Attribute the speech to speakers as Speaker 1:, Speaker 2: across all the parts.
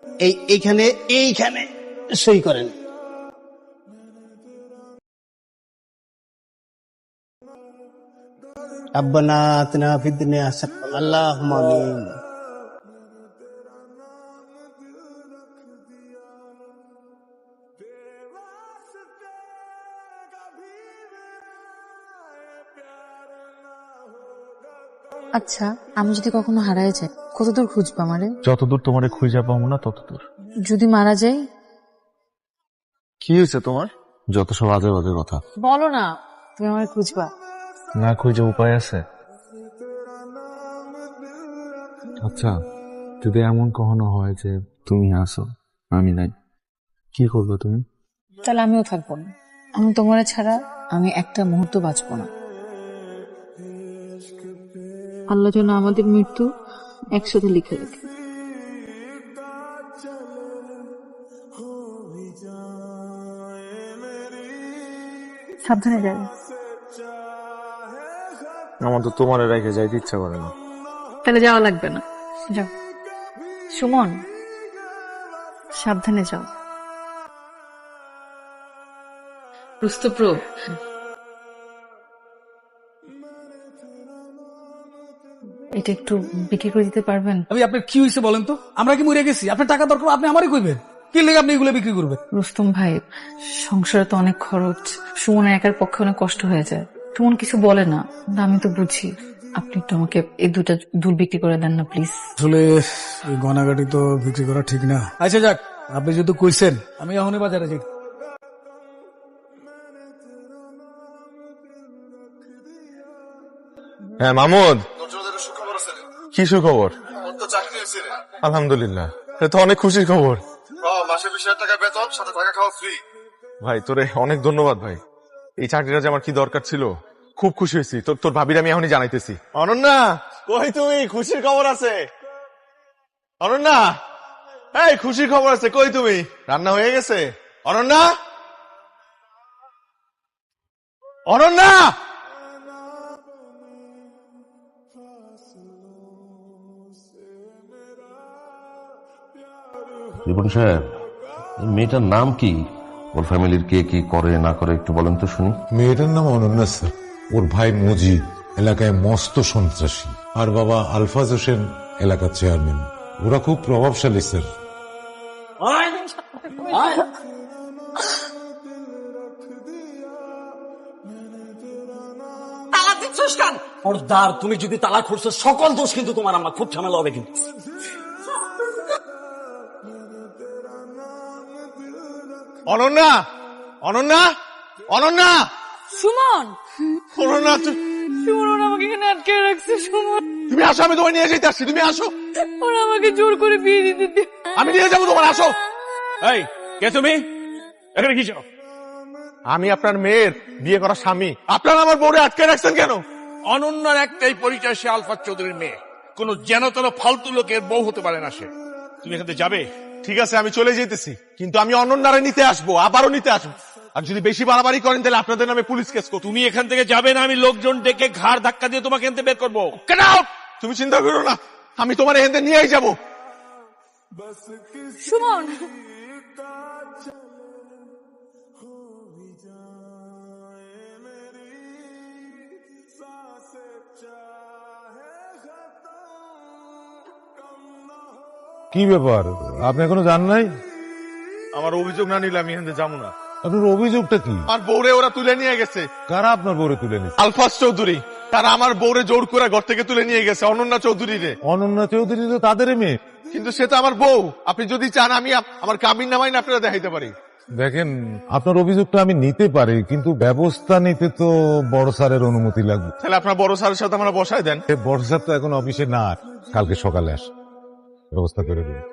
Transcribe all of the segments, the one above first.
Speaker 1: এইখানে এইখানে সই করেন। রব্বানা আতিনা ফিদ দুনিয়া হাসানাতান আল্লাহুম্মা আমিন।
Speaker 2: আচ্ছা, আমি যদি কখনো হারায় যাই কতদূর খুঁজবো আমারে?
Speaker 3: যতদূর তোমারে খুঁজে পাবো না ততদূর।
Speaker 2: যদি মারা যাই?
Speaker 3: কি হয়েছে তোমার? যত সব আজে বাজে কথা।
Speaker 2: বলো না, তুমি আমারে খুঁজবা।
Speaker 3: না খুঁজে উপায় আছে? আচ্ছা, যদি এমন কখনো হয় যে তুমি আসো আমি নাই, কি করবে তুমি?
Speaker 2: তাহলে আমিও থাকবো না। আমি তোমার ছাড়া আমি একটা মুহূর্ত বাঁচবো না। আল্লাহ যেন আমাদের মৃত্যু একসাথে লিখে রাখে। সাবধানে যাবে।
Speaker 3: আমার তো তোমার রেখে যাইতে ইচ্ছা করে না।
Speaker 2: তাহলে যাওয়া লাগবে না, যাও। সুমন, সাবধানে যাও। রুস্তপ্রভ, এটা একটু বিক্রি করে দিতে পারবেন?
Speaker 4: আমি আপনার কি হয়েছে বলেন তো? আমরা কি মরে গেছি? আপনার টাকা দরকার, আপনি আমারই কইবেন। কি লেগে আপনি এগুলো বিক্রি করবেন?
Speaker 2: রুস্তম ভাই, সংসারে তো অনেক খরচ, সুমনের একার পক্ষে অনেক কষ্ট হয়ে যায়। সুমন কিছু বলে না, আমি তো বুঝি। আপনি একটু আমাকে এই দুটা দুল বিক্রি করে দেন না প্লিজ।
Speaker 4: আসলে এই গয়নাগাটি তো বিক্রি করা ঠিক না। আচ্ছা যাক, আপনি যেহেতু কইছেন, আমি এখনই বাজারে যাই।
Speaker 3: হ্যাঁ মামুদ, কি সুখবর? আলহামদুলিল্লাহ, এটা তো অনেক খুশির খবর।
Speaker 5: মাসে 20,000 টাকা বেতন, সাথে থাকা খাওয়া ফ্রি।
Speaker 3: ভাই তোরে অনেক ধন্যবাদ ভাই, এই চাকরিটা যে আমার কি দরকার ছিল। খুব খুশি হয়েছি। তোর ভাবির আমি এখনই জানাইতেছি। অনন্যা কই তুমি? খুশির খবর আছে। অনন্যা, এই খুশির খবর আছে, কই তুমি? রান্না হয়ে গেছে? অনন্যা, অনন্যা!
Speaker 6: রিপন সাহেব, মেয়েটার নাম কি? ওর ফ্যামিলির কে কি করে না করে একটু বলেন তো শুনি।
Speaker 7: মেয়েটার নাম অনন্যা স্যার। ওর ভাই মজিদ এলাকায় মস্ত সন্ত্রাসী, আর বাবা আলফাজ হোসেন এলাকার চেয়ারম্যান। ওরা খুব প্রভাবশালী স্যার।
Speaker 8: তুমি যদি তালা খুলছো, সকল দোষ কিন্তু তোমার। আমরা খুব ঝামেলা হবে কিন্তু।
Speaker 3: অনন্যা, অনন্যা, অনন্যা!
Speaker 2: সুমন,
Speaker 3: অনন্যা
Speaker 2: সুমন আমাকে এখানে আটকে রাখছে। সুমন,
Speaker 3: তুমি আসো, আমি তোমায় নিয়ে যেতে আসছি। তুমি আসো,
Speaker 2: ওরা আমাকে জোর করে বিয়ে দিতে।
Speaker 3: আমি নিয়ে যাবো তোমার। আসো।
Speaker 4: এই কে তুমি? এখানে কি চাও?
Speaker 3: আমি আপনার মেয়ের বিয়ে করা স্বামী। আপনারা আমার বউরে আটকে রাখছেন কেন?
Speaker 5: অনন্যার একটাই পরিচয়, সে আলফাজ চৌধুরীর মেয়ে। কোন যেন তেন ফালতু লোকের বউ হতে পারে না সে। তুমি এখান থেকে যাবে?
Speaker 3: ঠিক আছে, আমি চলে যেতেছি, কিন্তু আমি অনন্যারে নিতে আসবো, আবারও নিতে আসবো। আর যদি বেশি বাড়াবাড়ি করেন তাহলে আপনাদের নামে পুলিশ কেস করব।
Speaker 5: তুমি এখান থেকে যাবে না, আমি লোকজন ডেকে ঘাড় ধাক্কা দিয়ে তোমাকে এখান থেকে বের করবো।
Speaker 3: Get out! তুমি চিন্তা করো না, আমি তোমার এখান থেকে নিয়েই যাবো।
Speaker 2: সুমন,
Speaker 7: কি ব্যাপার, আপনি এখনো জান নাই?
Speaker 3: আমার অভিযোগ না নিলে আমি এখান থেকে যাবো না।
Speaker 7: আপনার অভিযোগটা কি?
Speaker 3: আমার বউরে ওরা তুলে নিয়ে গেছে।
Speaker 7: কারা আপনার বউরে তুলে নিচ্ছে?
Speaker 3: আলফাজ চৌধুরী। তারা আমার বউরে জোর করে ঘর থেকে তুলে নিয়ে গেছে, অনন্যা চৌধুরী রে।
Speaker 7: অনন্যা চৌধুরী তো তাদের মেয়ে।
Speaker 3: কিন্তু সে তো আমার বউ। আপনি যদি চান আমি আমার কাবিন নামাই না আপনারা দেখাইতে পারি।
Speaker 7: দেখেন, আপনার অভিযোগটা আমি নিতে পারি, কিন্তু ব্যবস্থা নিতে তো বড় স্যারের অনুমতি লাগবে।
Speaker 3: তাহলে আপনার বড় স্যারের সাথে আমরা বসায় দেন।
Speaker 7: বড় স্যার তো এখন অফিসে না, কালকে সকালে আস, ব্যবস্থা করে দেবে।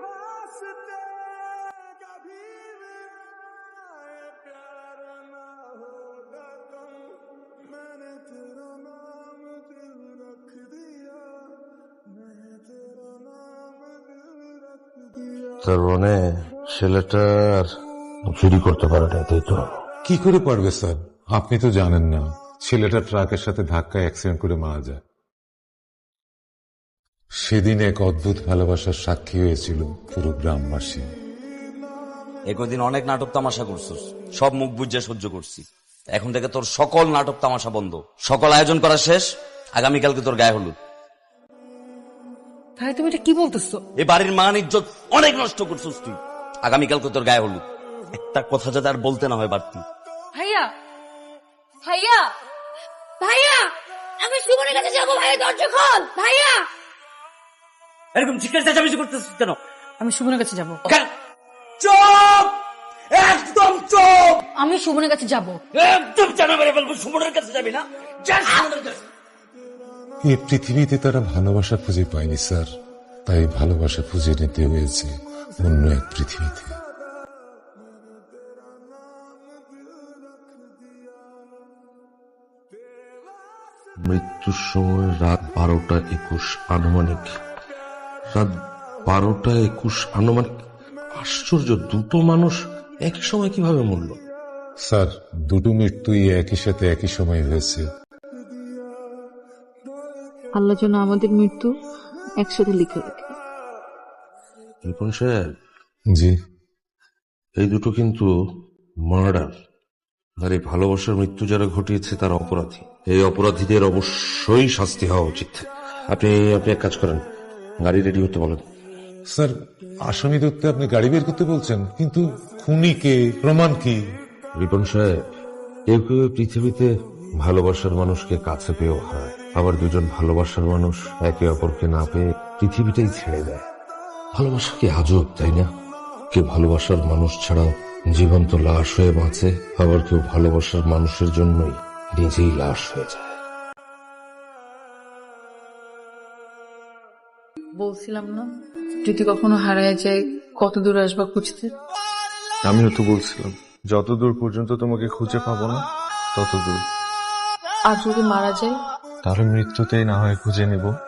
Speaker 6: তার মানে ছেলেটার চুরি করতে পারে না, তাই তো?
Speaker 7: কি করে পারবে স্যার? আপনি তো জানেন না, ছেলেটা ট্রাকের সাথে ধাক্কায় অ্যাক্সিডেন্ট করে মারা যায়। সেদিন এক অদ্ভুত ভালোবাসার সাক্ষী হয়েছিল পুরো গ্রামবাসী।
Speaker 8: একদিন অনেক নাটক তামাশা করছিস, সব মুখ বুঝে সহ্য করছি। এখন থেকে তোর সকল নাটক তামাশা বন্ধ, সকল আয়োজন করা শেষ। আগামীকালকে তোর গায়ে হলুদ।
Speaker 2: ভাই তুমি এটা কি বলতেছো?
Speaker 8: এই বাড়ির মান ইজ্জত অনেক নষ্ট করছিস তুই। আগামীকালকে তোর গায়ে হলুদ। একটা কথা যাতে আর বলতে না হয় বাড়তি।
Speaker 9: ভাইয়া ভাইয়া ভাইয়া, আমি সুমনের কাছে যাবো। ভাইয়া দরজা খোল ভাইয়া।
Speaker 8: এরকম চিৎকার চেঁচামেচি করতেছিস কেন?
Speaker 2: আমি সুমনের কাছে যাব।
Speaker 8: কেন? চুপ, একদম চুপ।
Speaker 2: আমি সুমনের কাছে যাব।
Speaker 8: একদম জানা মেরে ফেলবো। সুমনের কাছে যাবি না? যা সুমনের কাছে।
Speaker 7: এই পৃথিবীতে তারা ভালোবাসা খুঁজে পায়নি স্যার, তাই ভালোবাসা খুঁজে নিতে হয়েছে অন্য এক পৃথিবীতে।
Speaker 6: মৃত্যুর সময় রাত 12:21 আনুমানিক। রাত 12:21 আনুমানিক। আশ্চর্য, দুটো মানুষ একই সময় কিভাবে মরল?
Speaker 7: স্যার, দুটো মৃত্যুই একই সাথে একই সময় হয়েছে।
Speaker 2: আল্লাহ যেন আমাদের মৃত্যু একসাথে লিখে রাখে।
Speaker 6: রিপন সাহেব,
Speaker 7: জি,
Speaker 6: এই দুটো কিন্তু মার্ডার। আর এই ভালোবাসার মৃত্যু যারা ঘটিয়েছে তারা অপরাধী। এই অপরাধীদের অবশ্যই শাস্তি হওয়া উচিত। আপনি আপনি এক কাজ করেন, গাড়ি রেডি হতে বলেন।
Speaker 7: স্যার, আসামি ধরতে আপনি গাড়ি বের করতে বলছেন, কিন্তু খুনি কে, প্রমাণ কি?
Speaker 6: রিপন সাহেব, কেউ কেউ এই পৃথিবীতে ভালোবাসার মানুষকে কাছে পেয়েও হয়, আবার দুজন ভালোবাসার মানুষ একে অপরকে না পেয়ে পৃথিবীটাই ছেড়ে দেয়। ভালোবাসা কি আজব, তাই না? কেউ ভালোবাসার মানুষ ছাড়াও জীবন্ত লাশ হয়ে বাঁচে, আবার কেউ ভালোবাসার মানুষের জন্যই নিজেই লাশ হয়ে যায়।
Speaker 2: বলছিলাম না, যদি কখনো হারায় যায় কত দূর আসবা খুঁজতে।
Speaker 3: আমিও তো বলছিলাম, যত দূর পর্যন্ত তোমাকে খুঁজে পাবো না তত দূর।
Speaker 2: আর যদি মারা যায়?
Speaker 3: তাহলে মৃত্যুতেই না হয় খুঁজে নেব।